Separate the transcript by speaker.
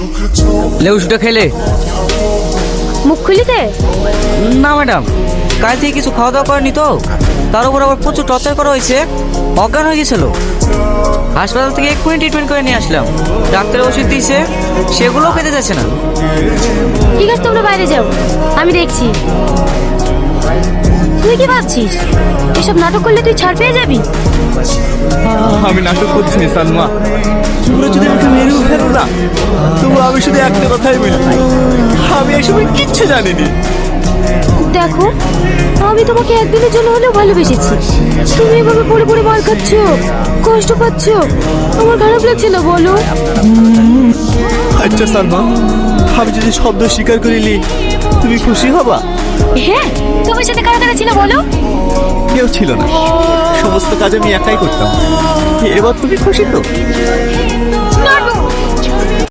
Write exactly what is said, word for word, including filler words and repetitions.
Speaker 1: লে ওষুধটা খেলে।
Speaker 2: মুখ খুলিতে?
Speaker 1: না ম্যাডাম, কাল থেকে কিছু খাওয়া দাওয়া করেনি তো, তার উপর আবার প্রচুর টর্চার করা হয়েছে, অজ্ঞান হয়ে গেছিল। হাসপাতাল থেকে এক্ষুনি ট্রিটমেন্ট করে নিয়ে আসলাম। ডাক্তার ওষুধ দিয়েছে, সেগুলোও খেতে যাচ্ছে না।
Speaker 2: ঠিক আছে, তোমরা বাইরে যাও, আমি দেখছি। তুই কি ভাবছিস এসব নাটক করলে তুই ছাড় পেয়ে যাবি?
Speaker 3: আমি নাটক করছি না সালমা, তোমরা যদি আমাকে মেরেও ফেলো না, তবু আমি শুধু একটা কথাই বলি, আমি এসব কিচ্ছু জানিনি।
Speaker 2: দেখো, আমি তোমাকে একদিনের জন্য হলেও ভালোবেসেছি। তুমি এভাবে পড়ে পড়ে মার খাচ্ছ, কষ্ট পাচ্ছ, আমার খারাপ লাগছে না বলো?
Speaker 3: আচ্ছা সালমা, আমি যদি শব্দ স্বীকার করিলি তুমি খুশি হবা?
Speaker 2: হ্যাঁ, তোমার সাথে কারা কারা ছিল বলো?
Speaker 3: কেউ ছিল না, সমস্ত কাজ আমি একাই করতাম। এবার তুমি খুশি তো?